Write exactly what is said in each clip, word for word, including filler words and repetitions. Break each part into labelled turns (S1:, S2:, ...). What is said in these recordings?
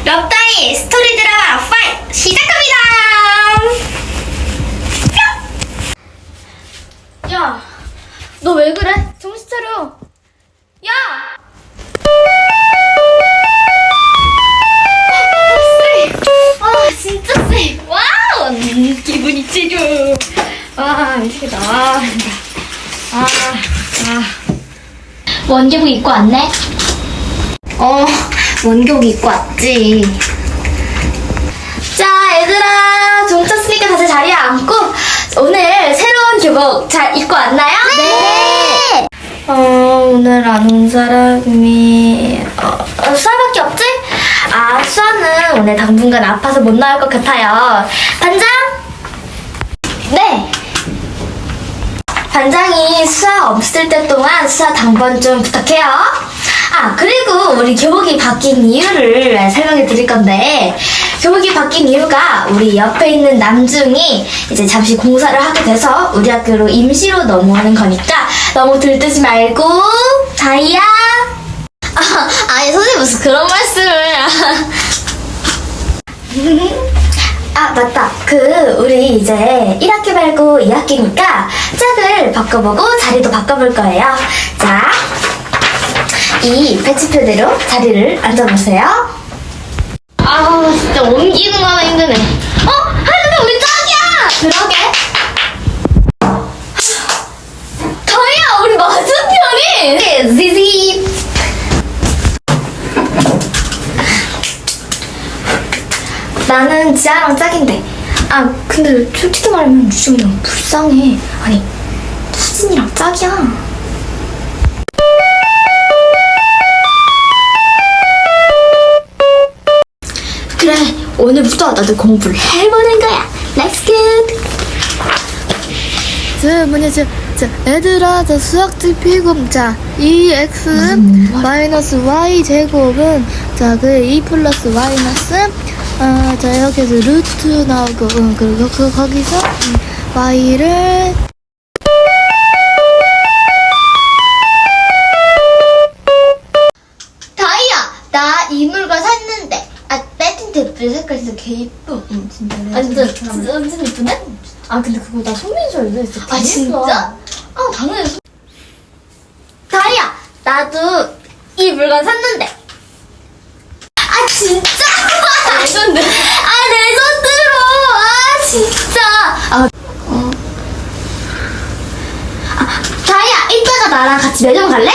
S1: 럽다이 스토리 드라마 파이브 시작합니다. 야, 너 왜 그래? 정신 차려. 야! 쎄. 아, 진짜 쎄. 와우! 음, 기분이 찌죠. 아, 미치겠다. 아, 아, 아. 원교복 입고 왔네? 어, 원교복 입고 왔지. 자, 얘들아, 종 찼으니까 다시 자리에 앉고 오늘 새로운 교복 잘 입고 왔나요?
S2: 네!
S1: 어, 오늘 아는 사람이 어, 어, 수아밖에 없지? 아, 수아는 오늘 당분간 아파서 못 나올 것 같아요. 반장? 네. 반장이 수아 없을 때 동안 수아 당번 좀 부탁해요. 아, 그리고 우리 교복이 바뀐 이유를 설명해 드릴 건데, 교복이 바뀐 이유가 우리 옆에 있는 남중이 이제 잠시 공사를 하게 돼서 우리 학교로 임시로 넘어오는 거니까 너무 들뜨지 말고. 다이야. 아, 아니 선생님 무슨 그런 말씀을. 아, 맞다. 그 우리 이제 일 학기 말고 이 학기니까 짝을 바꿔보고 자리도 바꿔볼 거예요. 자, 이 배치표대로 자리를 앉아보세요. 아우, 진짜 옮기는 거 하나 힘드네. 어? 하여튼 우리 짝이야! 그러게. 더이야, 우리 맞은편이! 지지. 나는 지아랑 짝인데. 아, 근데 솔직히 말하면 유정이 너무 불쌍해. 아니, 수진이랑 짝이야. 그래, 오늘부터 나도 공부를 해보는 거야. Let's go.
S2: 저 뭐냐 저, 저 애들아 저 수학적 피금 자 이 x 마이너스 y 제곱은 자 그 이 플러스 마이너스 어자 여기서 루트 나오고 응 그리고 그 거기서 음, y를
S1: 다이야, 나 이 물건 샀는데. 아, 빼진 테이프 색깔 진짜 개 이뻐.
S2: 응 진짜
S1: 아, 진짜, 진짜 완전 이쁘네?
S2: 아 근데 그거 나 손민수 알려 있어
S1: 아, 진짜? 아, 당연히. 소- 다이야, 나도 이 물건 샀는데. 아, 진짜? 레전드. 아, 레전드로. 아, 진짜. 아, 어. 아, 다이야, 이따가 나랑 같이 매점 갈래?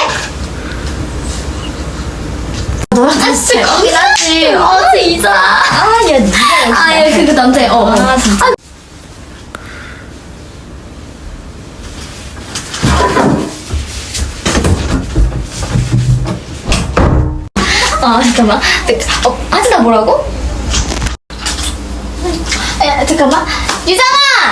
S1: 너랑 같이 거긴 하지. 어, 진짜. 아, 야, 니가. 아, 야, 그거 남자애. 어, 아, 진짜. 아, 잠깐만. 어, 하진아 뭐라고? 야, 잠깐만. 유정아!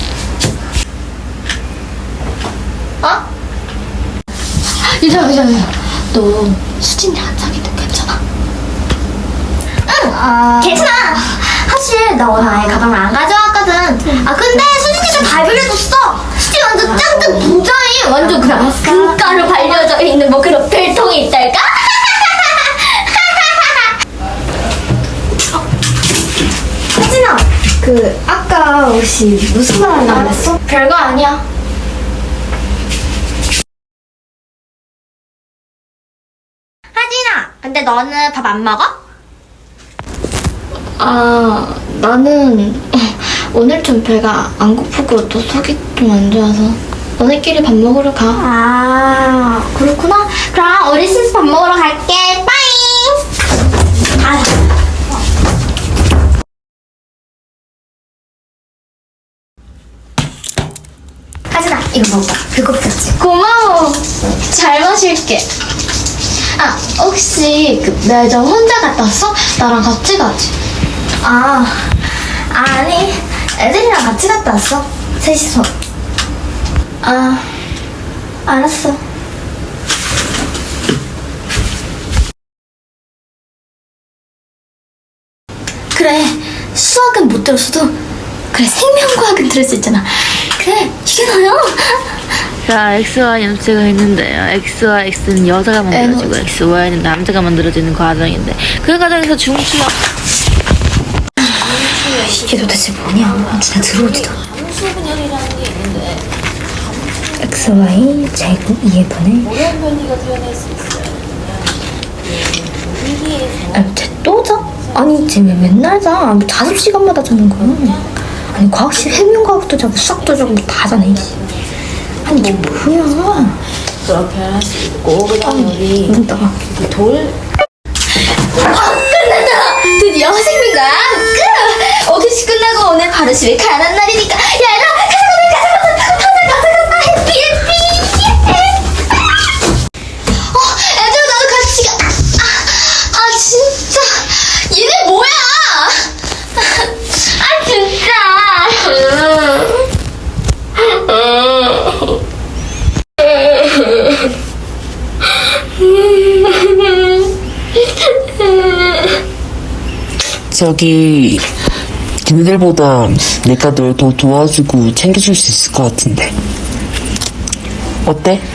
S1: 어? 유정아, 유정아, 유정아. 너 수진이랑 사귀도 괜찮아? 응!
S2: 아
S1: 괜찮아! 사실 나 오늘 아예 가방을 안 가져왔거든. 아, 근데 수진이가 다 빌려줬어. 수진 완전 짱짱 부자인 완전 그냥 금가루 발려져 있는 뭐 그런 별통이 있달까? 혜진아, 그 아까 혹시 무슨 말 하려고 그랬어? 별거 아니야. 혜진아, 근데 너는 밥 안 먹어? 아, 나는 오늘 좀 배가 안 고프고 또 속이 좀 안 좋아서 너네끼리 밥 먹으러 가. 아, 그렇구나. 그럼 우리 셋이 밥 먹으러 갈게. 빠잉. 아. 하진아, 이거 먹어봐. 배고프지? 고마워. 잘 마실게. 아, 혹시 그 매점 혼자 갔다 왔어? 나랑 같이 가지. 아, 아니, 애들이랑 같이 갔다 왔어. 셋이서. 아, 알았어. 그래, 수학은 못 들었어도 그래, 생명과학은 들을 수 있잖아. 그래, 이게 나요.
S2: 자, X와 염체가 있는데요. X와 X는 여자가 만들어지고 X, Y는 남자가 만들어지는 과정인데 그 과정에서 중추역
S1: 이게 도대체 뭐냐? 진짜 들어오지도 않아.
S2: 함수분열이라는 게 있는데
S1: 엑스 와이 제곱 이에 분의
S2: 모든 변이가 드러낼 수 있어요. 위기에서
S1: 아니, 쟤또 자? 아니, 쟤 왜 맨날 자? 뭐 자습 시간마다 자는 거야? 아니, 과학실 생명과학도 자고 수학도 자고 다 자네. 이씨. 아니, 이게 뭐야?
S2: 그렇게 할 수 있고 그다음에 우리
S1: 눈 떠봐.
S2: 돌
S1: 아, 끝났다! 드디어 생명과학 끝! 오교시 끝나고 오늘 바로 집에 가는 날이니까. 야, 얘들아! 가자, 가자, 가자, 가자! 가자, 가자, 가자! 해피, 해피! 어, 얘들아, 나도 같이 가. 아, 아, 진짜. 얘네 뭐야? 아, 진짜.
S3: 저기 걔네들보다 내가 널 더 도와주고 챙겨줄 수 있을 것 같은데 어때?